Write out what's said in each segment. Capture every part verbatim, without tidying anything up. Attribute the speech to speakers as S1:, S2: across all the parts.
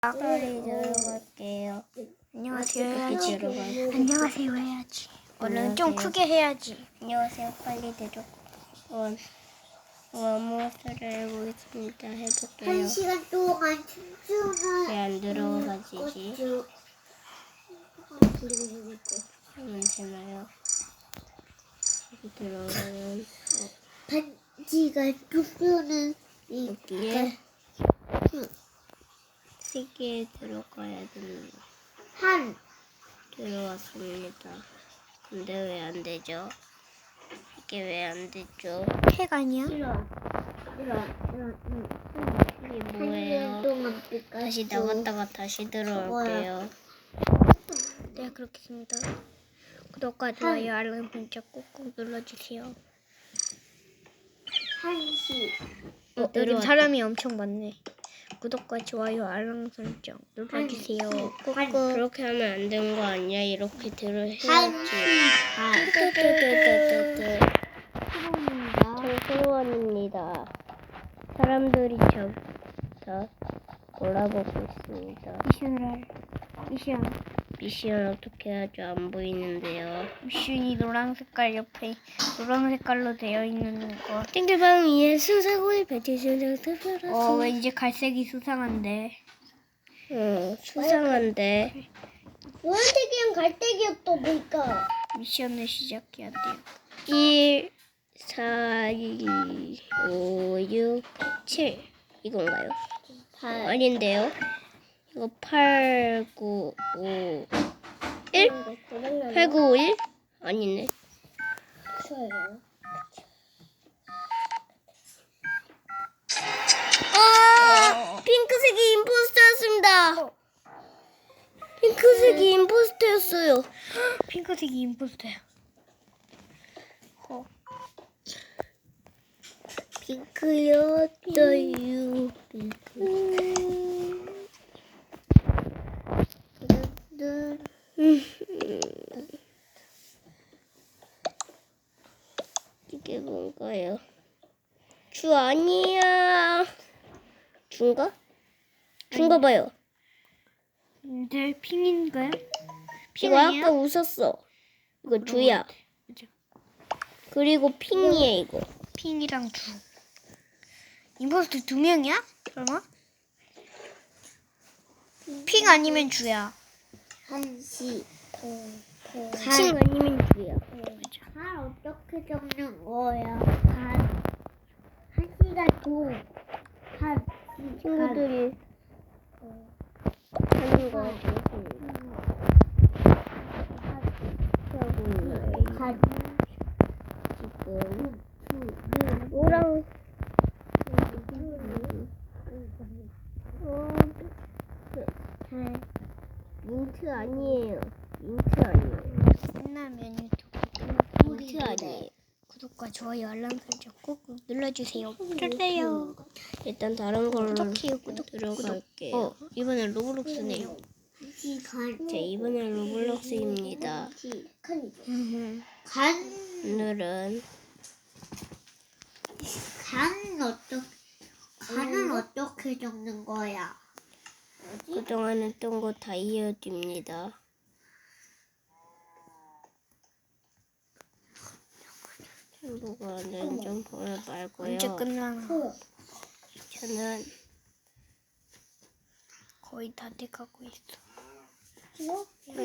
S1: 빨리 들어갈게요.
S2: 안녕하세요
S1: 이렇게
S2: 해야지.
S1: 들어가요.
S2: 안녕하세요 해야지. 얼른 좀
S1: 안녕하세요.
S2: 크게 해야지.
S1: 안녕하세요. 빨리 대죠. 원, 원모스를 해보겠습니다. 해볼게요.
S3: 한 시간 동안 춤추는
S1: 왜 안 들어가지지?
S3: 것도
S1: 하면 되나요? 여기 들어가면
S3: 반지가 춤추는 이
S1: 여기에 세 개 들어가야 됩니다.
S3: 한
S1: 들어왔습니다. 근데 왜 안 되죠? 이게 왜 안 되죠?
S2: 해가 아니야?
S3: 이런 이런 이런
S1: 이게
S3: 한
S1: 뭐예요?
S3: 시간 동안 피카츄
S1: 다시 나갔다가 다시 들어올게요.
S2: 네 그렇겠습니다. 구독과 좋아요 알람 설정 꾹꾹 눌러주세요.
S3: 한시
S2: 어, 여기
S1: 들어왔다.
S2: 사람이 엄청 많네. 구독과 좋아요 알람 설정 눌러주세요. 꾹꾹.
S1: 그렇게 하면 안 되는 거 아니야? 이렇게 들어야지.
S3: 한시
S1: 뜨뜨뜨뜨뜨뜨.
S3: 반
S1: 저 소원입니다. 사람들이 저, 저 몰아보고 있습니다.
S2: 미션을 할 미션.
S1: 미션 어떻게 하죠? 안 보이는데요.
S2: 미션이 노란 색깔 옆에 노란 색깔로 되어 있는 거.
S1: 땡글방 위에 수사고의 배치수장 특별한
S2: 어 왠지 갈색이 수상한데.
S1: 응, 수상한데.
S3: 노란색이랑 갈색이었던 보니까
S2: 미션을 시작해야 돼요.
S1: 일, 사, 이, 오, 육, 칠 이건가요? 아닌데요? 이거 팔, 구, 오, 일? 팔, 구, 오, 일? 아니네. 아! 핑크색이 임포스터였습니다. 핑크색이 임포스터였어요.
S2: 핑크색이 임포스터야. 어.
S1: 핑크였어요. 핑크. 이게 뭔가요? 주 아니야. 준가? 준가 봐요.
S2: 네, 핑인가요? 핑
S1: 이거
S2: 아니야?
S1: 아까 웃었어. 이거 주야.
S2: 그죠.
S1: 그리고 핑이에 이거.
S2: 핑이랑 주. 임포스터 두 명이야? 설마? 핑 아니면 주야.
S3: 한시
S1: 핑 아니면 주야.
S3: 간 어떻게 적는 거야? 간 한시가 도한
S1: 친구들이 하는 거 보겠습니다. 하고 있나요?
S3: 간
S1: 지금 노랑 어, 민트 아니에요. 민트 아니에요.
S2: 끝나면
S1: 민트 아니에요.
S2: 구독과 좋아요 알람 설정 꾹꾹 눌러주세요. 좋대요.
S1: 일단 다른 걸로
S2: 구독해요. 구독.
S1: 들어갈게요.
S2: 어 이번엔 로블록스네요.
S3: 한시 간
S1: 자, 이번엔 로블록스입니다.
S3: 간 간
S1: 오늘은
S3: 간 어떻게 간은 어떻게 적는 거야?
S1: 그동안 했던 거 다 이어집니다. 친구가는 좀 보여 말고요.
S2: 언제 끝나나?
S1: 저는
S2: 거의 다 돼가고 있어.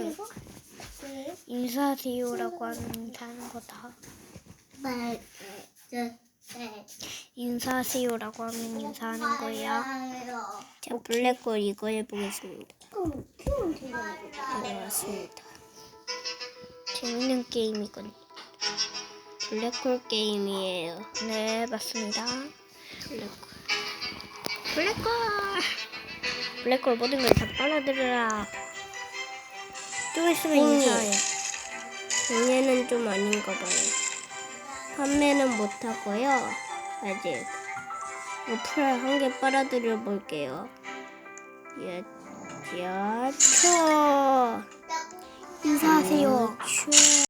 S2: 인사하세요라고 하면 인사하는 거다.
S3: 말, 저,
S2: 인사하세요라고 하면 인사하는 거예요.
S1: 자, 블랙홀 이거 해보겠습니다.
S3: 키우면 되나?
S1: 네, 맞습니다.
S2: 재밌는 게임이군.
S1: 블랙홀 게임이에요.
S2: 네 맞습니다.
S1: 블랙홀.
S2: 블랙홀 블랙홀 모든 걸 다 빨아들여라. 좀 있으면
S1: 음.
S2: 인사해.
S1: 얘는 좀 아닌가 봐요. 판매는 못하고요. 아직. 이거 풀 한 개 빨아들여 볼게요. 야, 야, 쳐.
S2: 인사하세요.
S1: 쳐.